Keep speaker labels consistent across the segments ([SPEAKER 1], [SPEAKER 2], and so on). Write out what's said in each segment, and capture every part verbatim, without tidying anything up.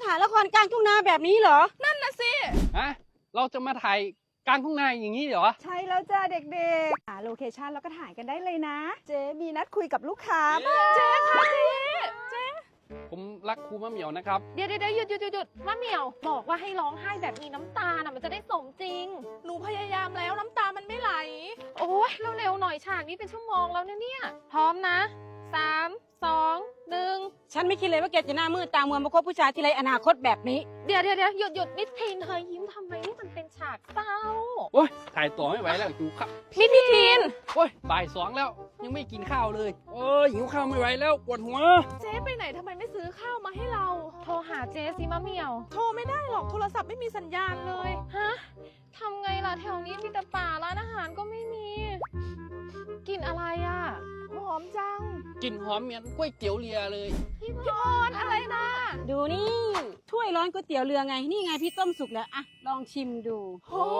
[SPEAKER 1] ถ่ายละครกลางทุ่งนาแบบนี้เหรอ
[SPEAKER 2] นั่นน่ะสิ
[SPEAKER 3] ฮะเราจะมาถ่ายกลางทุ่งนาอย่างนี้เหรอ
[SPEAKER 2] ใช่แล้วจ้าเด็กๆหาโลเคชั่นแล้วก็ถ่ายกันได้เลยนะเจ๊มีนัดคุยกับลูกค้าเจ๊ค่ะเจ๊เจ๊
[SPEAKER 3] ผมรักครูมะเหมียวนะครับ
[SPEAKER 4] เดี๋ยวเดี๋ยวหยุดหยุดหยุดหยุดมะเหมียวบอกว่าให้ร้องไห้แบบมีน้ำตาน่ะมันจะได้สมจริง
[SPEAKER 2] หนูพยายามแล้วน้ำตามันไม่ไหล
[SPEAKER 4] โอ้ยเร็วๆหน่อยฉากนี้เป็นชั่วโมงแล้วเนี่ยเนี่ยพร้อมนะสามสองหนึ่ง
[SPEAKER 1] ฉันไม่คิดเลยว่าแกจะหน้ามืดตามัวมาคบผู้ชายที่ไรอนาคตแบบนี้
[SPEAKER 4] เดี๋ยวเดี๋ยวเดี๋ยวหยุดหยุดมิทีนเธอยิ้มทำไมนี่มันเป็นฉากเศร้า
[SPEAKER 3] โอ้ยถ่ายต่อไม่ไหวแล้วหิวข้าว
[SPEAKER 4] มิทีน
[SPEAKER 3] โอ้ยบ่ายสองแล้วยังไม่กินข้าวเลยโอ้ยหิวข้าวไม่ไหวแล้วปวดหัว
[SPEAKER 2] เจ๊ไปไหนทำไมไม่ซื้อข้าวมาให้เรา
[SPEAKER 4] โทรหาเจ๊สิมะเหมียว
[SPEAKER 2] โทรไม่ได้หรอกโทรศัพท์ไม่มีสัญญาณเลย
[SPEAKER 4] ฮะทำไงล่ะแถวนี้มีแต่ป่าร้านอาหารก็ไม่มีกินอะไรอ่ะ
[SPEAKER 2] หอมจัง
[SPEAKER 3] กลิ่นหอมเหมือนก๋วยเตี๋ยวเรือเลย
[SPEAKER 4] พี่พรอะไรนะ
[SPEAKER 1] ดูนี่ถ้วยร้อนก๋วยเตี๋ยวเรือไงนี่ไงพี่ต้มสุกแล้วอะลองชิมดู
[SPEAKER 2] โอ้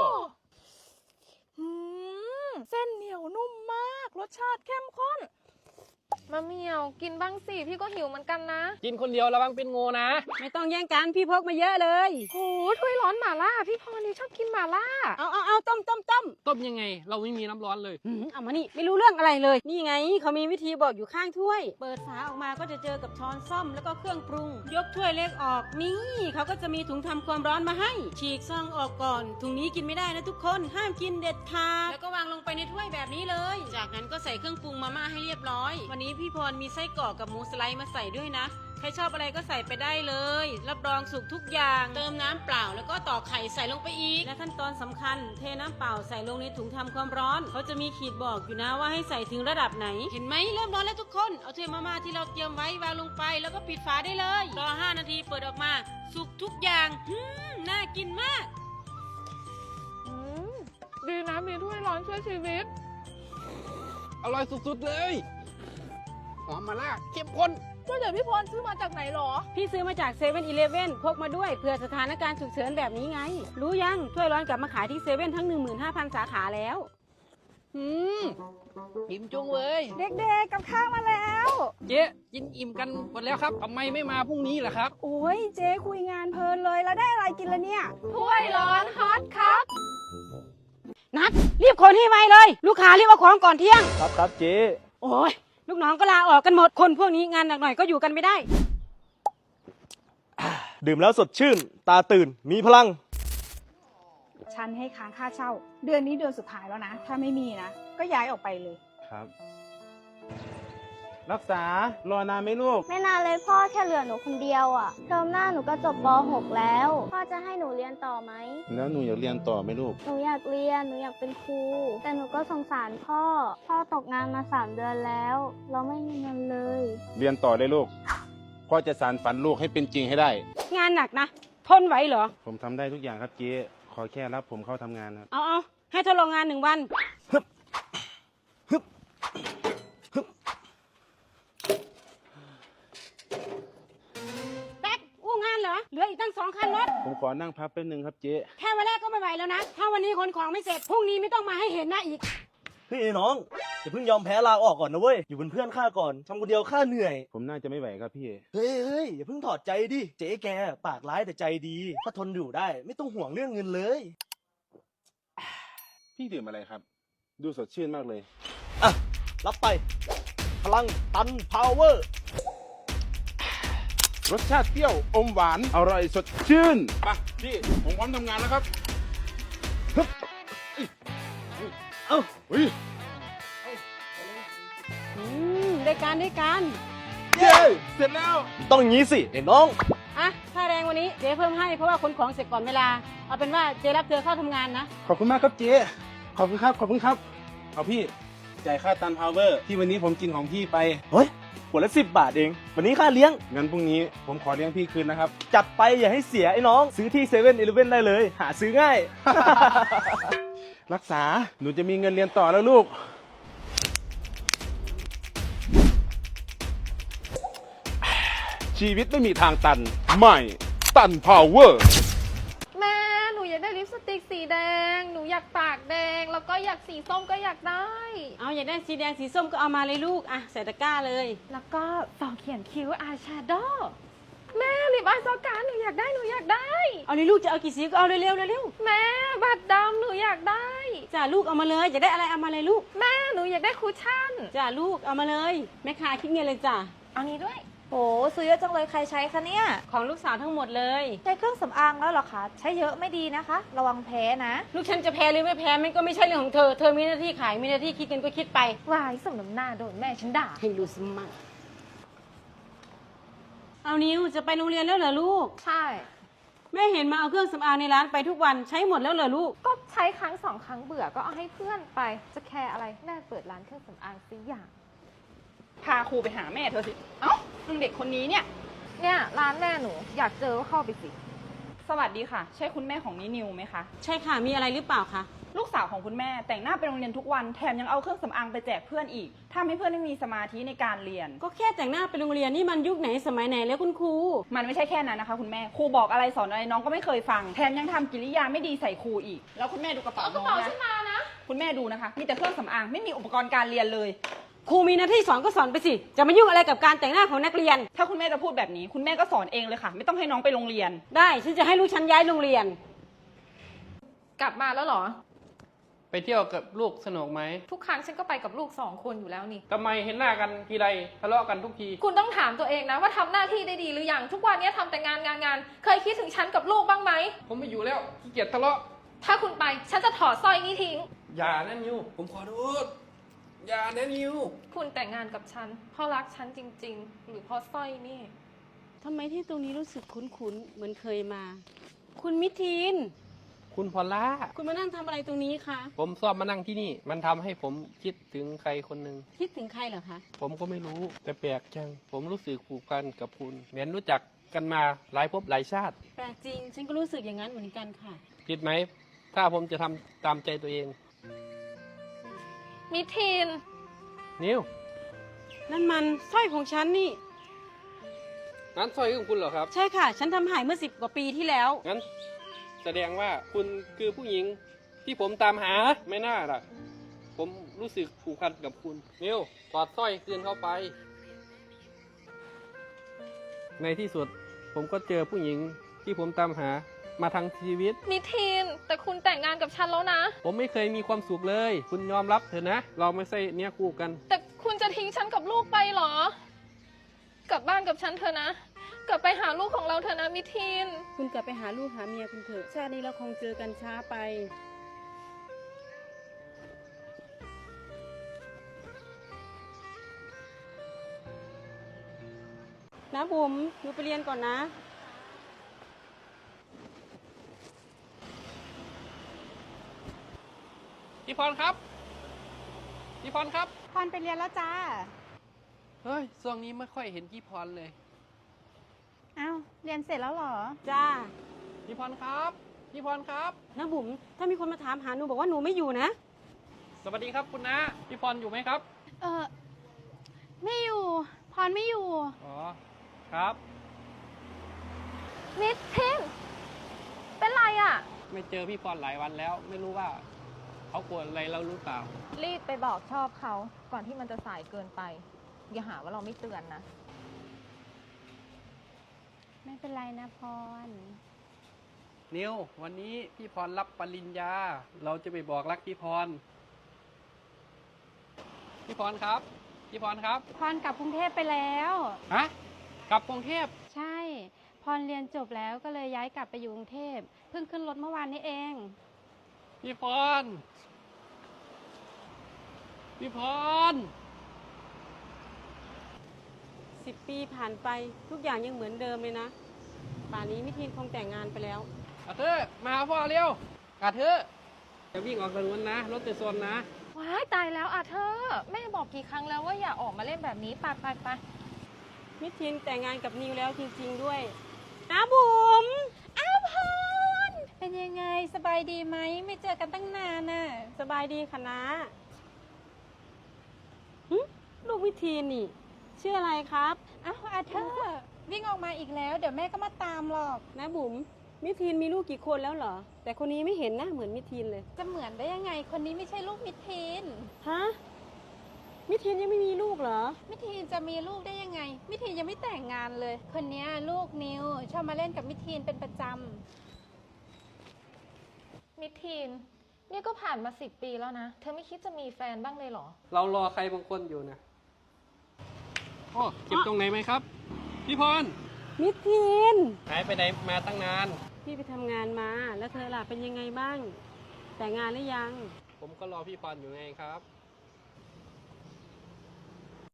[SPEAKER 2] เส้นเหนียวนุ่มมากรสชาติเข้มข้น
[SPEAKER 4] มะเหมียวกินบ้างสิพี่ก็หิวเหมือนกันนะ
[SPEAKER 3] กินคนเดียวระวังเป็นงูนะ
[SPEAKER 1] ไม่ต้องแย่งกันพี่พกมาเยอะเลย
[SPEAKER 4] โหถ้วยร้อนหม่าล่าพี่พรนี่ชอบกินหม่าล่า
[SPEAKER 1] เอาเอาเอาต้มต้มต้ม
[SPEAKER 3] ต้มยังไงเราไม่มีน้ำร้อนเลย
[SPEAKER 1] เอามานี่ไม่รู้เรื่องอะไรเลยนี่ไงเขามีวิธีบอกอยู่ข้างถ้วยเปิดฝาออกมาก็จะเจอกับช้อนส้อมแล้วก็เครื่องปรุงยกถ้วยเล็กออกนี่เขาก็จะมีถุงทำความร้อนมาให้ฉีกซองออกก่อนถุงนี้กินไม่ได้นะทุกคนห้ามกินเด็ดขาดแล้วก็วางลงไปในถ้วยแบบนี้เลยจากนั้นก็ใส่เครื่องปรุงมาม่าให้เรียบร้อยวันนี้พี่พรมีไส้กรอกกับหมูสไลด์มาใส่ด้วยนะใครชอบอะไรก็ใส่ไปได้เลยรับรองสุกทุกอย่างเติมน้ำเปล่าแล้วก็ต่อไข่ใส่ลงไปอีกและขั้นตอนสำคัญเทน้ำเปล่าใส่ลงในถุงทำความร้อนเขาจะมีขีดบอกอยู่นะว่าให้ใส่ถึงระดับไหนเห็นไหมเริ่มร้อนแล้วทุกคนเอาถ้วยมาม่าที่เราเตรียมไว้วางลงไปแล้วก็ปิดฝาได้เลยรอห้านาทีเปิดออกมาสุกทุกอย่างอืมน่ากินมาก
[SPEAKER 4] อืมดีนะมีถ้วยร้อนช่วยชีวิต
[SPEAKER 3] อร่อยสุดๆเลยหอมมาล่าเข้มข้น
[SPEAKER 2] ก็เดี๋ยวพี่พรซื้อมาจากไหนหรอ
[SPEAKER 1] พี่ซื้อมาจากเซเว่นอีเลฟเว่นพกมาด้วยเผื่อสถานการณ์ฉุกเฉินแบบนี้ไงรู้ยังถ้วยร้อนกลับมาขายที่เซเว่นทั้ง หนึ่งหมื่นห้าพัน สาขาแล้ว
[SPEAKER 3] อืมอิ่มจุงเลย
[SPEAKER 2] เด็กๆกับข้าวมาแล้ว
[SPEAKER 3] เจ๊กินอิ่มกันหมดแล้วครับทำไมไม่มาพรุ่งนี้ล่ะครับ
[SPEAKER 2] โอ้ยเจ๊คุยงานเพลินเลยแล้วได้อะไรกินละเนี่ย
[SPEAKER 4] ถ้วยร้อนฮอตครับ
[SPEAKER 1] นัดรีบคนให้ไวเลยลูกค้ารีบเอาของก่อนเที่ยง
[SPEAKER 5] ครับครับเจ๊
[SPEAKER 1] โอ้ยลูกน้องก็ลาออกกันหมดคนพวกนี้งานหนักหน่อยก็อยู่กันไม่ได้
[SPEAKER 5] ดื่มแล้วสดชื่นตาตื่นมีพลัง
[SPEAKER 2] ฉันให้ค้างค่าเช่าเดือนนี้เดือนสุดท้ายแล้วนะถ้าไม่มีนะก็ย้ายออกไปเลย
[SPEAKER 5] ครับรักษารอนานไหมลูก
[SPEAKER 6] ไม่นานเลยพ่อแค่เหลือหนูคนเดียวอ่ะเทอมหน้าหนูก็จบป หก แล้วพ่อจะให้หนูเรียนต่อไหม
[SPEAKER 5] แล้วหนูอยากเรียนต่อไหมลูก
[SPEAKER 6] หนูอยากเรียนหนูอยากเป็นครูแต่หนูก็สงสารพ่อพ่อตกงานมาสามเดือนแล้วเราไม่มีเงินเลย
[SPEAKER 5] เรียนต่อได้ลูกพ่อจะสานฝันลูกให้เป็นจริงให้ได้
[SPEAKER 1] งานหนักนะทนไหวเหรอ
[SPEAKER 5] ผมทำได้ทุกอย่างครับเจ๊ขอแค่รับผมเข้าทำงานครับ
[SPEAKER 1] เอาเอาให้ทดลองงานหนึ่งวันฮึบฮึบฮึบแป๊กอู้งานเหรอเหลืออีกตั้งสองคันรถ
[SPEAKER 5] ผมขอนั่งพักแป๊บนึงครับเจ๊
[SPEAKER 1] แค่วันแรกก็ไม่ไหวแล้วนะถ้าวันนี้ขนของไม่เสร็จพรุ่งนี้ไม่ต้องมาให้เห็นหน้าอีก
[SPEAKER 7] พี่น้องอย่าเพิ่งยอมแพ้ลาออกก่อนนะเว้ยอยู่เป็นเพื่อนข้าก่อนทำคนเดียวข้าเหนื่อย
[SPEAKER 5] ผมน่าจะไม่ไหวครับพี่
[SPEAKER 7] เฮ้ยเฮ้ยอย่าเพิ่งถอดใจดิเจ๊แกปากร้ายแต่ใจดีถ้าทนอยู่ได้ไม่ต้องห่วงเรื่องเงินเลย
[SPEAKER 5] พี่ดื่มอะไรครับดูสดชื่นมากเลย
[SPEAKER 7] อ่ะรับไปพลังตันพาวเวอร์
[SPEAKER 5] รสชาติเปรี้ยวอมหวานอร่อยสดชื่นไปพี่ผมพร้อมทำงานแล้วครับฮึบ
[SPEAKER 7] เอ้า
[SPEAKER 5] เฮ้ย
[SPEAKER 1] อืมได้การได้การ
[SPEAKER 5] เย้เสร็จแล้ว
[SPEAKER 7] ต้องอย่างนี้สิเด็กน้อง
[SPEAKER 1] อ่ะค่าแรงวันนี้เจ๊เพิ่มให้เพราะว่าขนของเสร็จก่อนเวลาเอาเป็นว่าเจ๊รับเธอเข้าทำงานนะ
[SPEAKER 5] ขอบคุณมากครับเจ๊ขอบคุณครับขอบคุณครับเอาพี่จ่ายค่าตันพาวเวอร์ที่วันนี้ผมกินของพี่ไป
[SPEAKER 7] เฮ้ยขวดละสิบบาทเองวันนี้ค่าเลี้ยง
[SPEAKER 5] งั้นพรุ่งนี้ผมขอเลี้ยงพี่คืนนะครับ
[SPEAKER 7] จัดไปอย่าให้เสียไอ้น้องซื้อที่เซเว่นอีเลฟเว่นได้เลยหาซื้อง่าย
[SPEAKER 5] รักษาหนูจะมีเงินเรียนต่อแล้วลูกชีวิตไม่มีทางตันใหม่ตันพาวเวอร์
[SPEAKER 4] แม่หนูอยากได้ลิปสติกสีแดงหนูอยากปากแดงแล้วก็อยากสีส้มก็อยากได้
[SPEAKER 1] เอาอยากได้สีแดงสีส้มก็เอามาเลยลูกอ่ะใส่ตะกร้าเลย
[SPEAKER 4] แล้วก็ต่อเขียนคิ้วอายแชโดว์แม่ลิปอายสอการหนูอยากได้หนูอยากได้
[SPEAKER 1] เอาเลยลูกจะเอากี่สีก็เอาเร็วๆเร็ว
[SPEAKER 4] แม่บัตรดำหนูอยากได้
[SPEAKER 1] ๆจ้าลูกเอามาเลยอยากได้อะไรเอามาเลยลูก
[SPEAKER 4] แม่หนูอยากได้คุชชั่น
[SPEAKER 1] จ้าลูกเอามาเลยแม่ค้าคิดเงินเลยจ้า
[SPEAKER 4] เอานี้ด้วย
[SPEAKER 8] โหซื้อเยอะจังเลยใครใช้คะเนี่ย
[SPEAKER 1] ของลูกสาวทั้งหมดเลย
[SPEAKER 8] ใช้เครื่องสำอางแล้วเหรอคะ ใช้เยอะไม่ดีนะคะ ระวังแพ้นะ
[SPEAKER 1] ลูกฉันจะแพ้หรือไม่แพ้มันก็ไม่ใช่เรื่องของเธอเธอมีหน้าที่ขายมีหน้าที่คิดเงินก็คิดไป
[SPEAKER 4] วายสมน้ำหน้าโดนแม่ฉันด่า
[SPEAKER 1] ให้รู้สมั่งเอานิวจะไปโรงเรียนแล้วเหรอลูก
[SPEAKER 4] ใช่
[SPEAKER 1] แม่เห็นมาเอาเครื่องสำอางในร้านไปทุกวันใช้หมดแล้วเหรอลูก
[SPEAKER 4] ก็ใช้ครั้งสองครั้งเบื่อก็เอาให้เพื่อนไปจะแคร์อะไรแม่เปิดร้านเครื่องสำอางสิอย่าง
[SPEAKER 2] พาครูไปหาแม่เธอสิ เอ้านึงเด็กคนนี้เนี่ย
[SPEAKER 4] เนี่ยร้านแม่หนูอยากเจอก็เข้าไปสิ
[SPEAKER 2] สวัสดีค่ะ ใช่คุณแม่ของนินิวไหมคะ
[SPEAKER 1] ใช่ค่ะมีอะไรหรือเปล่าคะ
[SPEAKER 2] ลูกสาวของคุณแม่แต่งหน้าไปโรงเรียนทุกวันแถมยังเอาเครื่องสำอางไปแจกเพื่อนอีกทำให้เพื่อนไม่มีสมาธิในการเรียน
[SPEAKER 1] ก็แค่แต่งหน้าไปโรงเรียนนี่มันยุคไหนสมัยไหนแล้วคุณครู
[SPEAKER 2] มันไม่ใช่แค่นั้นนะคะ คุณแม่ครูบอกอะไรสอนอะไรน้องก็ไม่เคยฟังแถมยังทำกิริยาไม่ดีใส่ครูอีก แล้วคุณแม่ดูกระเป๋าน้องนะคุณแม่ดูนะคะมีแต่เครื่องสำอางไม่มีอุปกรณ์การเรียนเลย
[SPEAKER 1] ครูมีหน้าที่สอนก็สอนไปสิจะมายุ่งอะไรกับการแต่งหน้าของนักเรียน
[SPEAKER 2] ถ้าคุณแม่จะพูดแบบนี้คุณแม่ก็สอนเองเลยค่ะ ไม่ต้องให้น้องไปโรงเรียน
[SPEAKER 1] ได้ฉันจะให้ลูกฉันย้ายโรงเรียน
[SPEAKER 4] กลับมาแล้วเหรอ
[SPEAKER 3] ไปเที่ยวกับลูกสนุกไหม
[SPEAKER 4] ทุกครั้งฉันก็ไปกับลูกสองคนอยู่แล้วนี่
[SPEAKER 3] ทำไมเห็นหน้ากันทีไรทะเลาะกันทุกที
[SPEAKER 4] คุณต้องถามตัวเองนะว่าทำหน้าที่ได้ดีหรือยังทุกวันนี้ทำแต่งานงานงานเคยคิดถึงฉันกับลูกบ้างไหม
[SPEAKER 3] ผมไม่อยู่แล้วขี้เกียจทะเลาะ
[SPEAKER 4] ถ้าคุณไปฉันจะถอดสร้อยนี้ทิ้ง
[SPEAKER 3] อย่านะนิวผมขอโทษอย่านะนิว
[SPEAKER 4] คุณแต่งงานกับฉันเพราะรักฉันจริง ๆ หรือเพราะสร้อยนี่
[SPEAKER 1] ทำไมที่ตรงนี้รู้สึกคุ้นๆ เหมือนเคยมา คุณมิทีน
[SPEAKER 3] คุณพอลล่า
[SPEAKER 1] คุณมานั่งทำอะไรตรงนี้คะ
[SPEAKER 3] ผมชอบมานั่งที่นี่ มันทำให้ผมคิดถึงใครคนหนึ่ง
[SPEAKER 1] คิดถึงใครเหรอคะ
[SPEAKER 3] ผมก็ไม่รู้ แต่แปลกจัง ผมรู้สึกผูกพันกับคุณเหมือนรู้จักกันมาหลายภพหลายชาติ
[SPEAKER 1] แปลกจริง ฉันก็รู้สึกอย่างนั้นเหมือนกันค่ะ
[SPEAKER 3] ผิดไหม ถ้าผมจะทำตามใจตัวเอง
[SPEAKER 4] มิทีน
[SPEAKER 3] นิว
[SPEAKER 1] นั่นมันสร้อยของฉันนี่
[SPEAKER 3] นั้นสร้อยของคุณเหรอครับ
[SPEAKER 1] ใช่ค่ะ ฉันทำหายเมื่อสิบกว่าปีที่แล้ว
[SPEAKER 3] งั้นแสดงว่าคุณคือผู้หญิงที่ผมตามหาไม่น่าล่ะ ผมรู้สึกผูกพันกับคุณนิวถอดสร้อยคืนเข้าไป ในที่สุดผมก็เจอผู้หญิงที่ผมตามหามาทั้งชีวิต
[SPEAKER 4] มิทีนแต่คุณแต่งงานกับฉันแล้วนะ
[SPEAKER 3] ผมไม่เคยมีความสุขเลย คุณยอมรับเถอะนะ เราไม่ใช่เนี้ยคู่กัน
[SPEAKER 4] แต่คุณจะทิ้งฉันกับลูกไปเหรอ กลับบ้านกับฉันเถอะนะ กลับไปหาลูกของเราเถอะนะมิทีน
[SPEAKER 1] คุณกลับไปหาลูกหาเมียคุณเถอะ ชาตินี้เราคงเจอกันช้าไป นะบุ๋มหนูไปเรียนก่อนนะ
[SPEAKER 3] พี่พรครับ พี่พรครับ
[SPEAKER 2] พรไปเรียนแล้วจ้า
[SPEAKER 3] เฮ้ยช่วงนี้ไม่ค่อยเห็นพี่พรเลย
[SPEAKER 2] อ้าวเรียนเสร็จแล้วเหรอ
[SPEAKER 1] จ้า
[SPEAKER 3] พี่พรครับ พี่พรครับ
[SPEAKER 1] นะบุ๋มถ้ามีคนมาถามหาหนูบอกว่าหนูไม่อยู่นะ
[SPEAKER 3] สวัสดีครับคุณนะพี่พรอยู่ไหมครับ
[SPEAKER 6] เออไม่อยู่ พรไม่อยู่
[SPEAKER 3] อ๋อ ครับ
[SPEAKER 4] มิทีนเป็นไรอะ่ะ
[SPEAKER 3] ไม่เจอพี่พรหลายวันแล้ว ไม่รู้ว่าเขาโกรธอะไรเราหรือเปล่า
[SPEAKER 4] รีบไปบอกชอบเขาก่อนที่มันจะสายเกินไป อย่าหาว่าเราไม่เตือนนะ
[SPEAKER 6] ไม่เป็นไรนะพร
[SPEAKER 3] นิววันนี้พี่พรรับปริญญา เราจะไปบอกรักพี่พร พี่พรครับ พี่พรครับ
[SPEAKER 6] พรกลับกรุงเทพไปแล้ว
[SPEAKER 3] ฮะ กลับกรุงเทพ
[SPEAKER 6] ใช่ พรเรียนจบแล้วก็เลยย้ายกลับไปอยู่กรุงเทพ เพิ่งขึ้นรถเมื่อวานนี้เอง
[SPEAKER 3] พี่พร พี่พร
[SPEAKER 1] สิบปีผ่านไปทุกอย่างยังเหมือนเดิมเลยนะ ป่านนี้มิทีนคงแต่งงานไปแล้ว
[SPEAKER 3] อาเธอร์มาหาพ่อเร็วอาเธอร์จะวิ่งออกถนนนะ รถจะชนนะ
[SPEAKER 4] ว้ายตายแล้วอ่ะเธอ แม่บอกกี่ครั้งแล้วว่าอย่าออกมาเล่นแบบนี้ไปไปไป
[SPEAKER 1] มิทีนแต่งงานกับนิวแล้วจริงๆด้วยนะบุ๋ม
[SPEAKER 6] อ้าวพร เป็นยังไงสบายดีไหม ไม่เจอกันตั้งนานน่ะ
[SPEAKER 1] สบายดีคะนะหึลูกมิทีนนี่ ชื่ออะไรครับ
[SPEAKER 6] อ้าวอาเธอร์วิ่งออกมาอีกแล้ว เดี๋ยวแม่ก็มาตามหรอก
[SPEAKER 1] นะบุ๋มมิทีนมีลูกกี่คนแล้วเหรอ แต่คนนี้ไม่เห็นหน้าเหมือนมิทีนเลย
[SPEAKER 6] จะเหมือนได้ยังไง คนนี้ไม่ใช่ลูกมิทีน
[SPEAKER 1] ฮะมิทีนยังไม่มีลูกเหรอ
[SPEAKER 9] มิทีนจะมีลูกได้ยังไง มิทีนยังไม่แต่งงานเลย คนเนี้ยลูกนิวชอบมาเล่นกับมิทีนเป็นประจำ
[SPEAKER 4] มิทีน นี่ก็ผ่านมาสิบปีแล้วนะ เธอไม่คิดจะมีแฟนบ้างเลยเหรอ
[SPEAKER 3] เรารอใครบางคนอยู่นะอ๋อเจ็บตรงไหนไหมครับ พี่พร
[SPEAKER 1] มิทีน
[SPEAKER 3] หายไปไหนมาตั้งนาน
[SPEAKER 1] พี่ไปทำงานมา แล้วเธอล่ะเป็นยังไงบ้าง แต่งงานหรือยัง
[SPEAKER 3] ผมก็รอพี่พรอยู่ไงครับ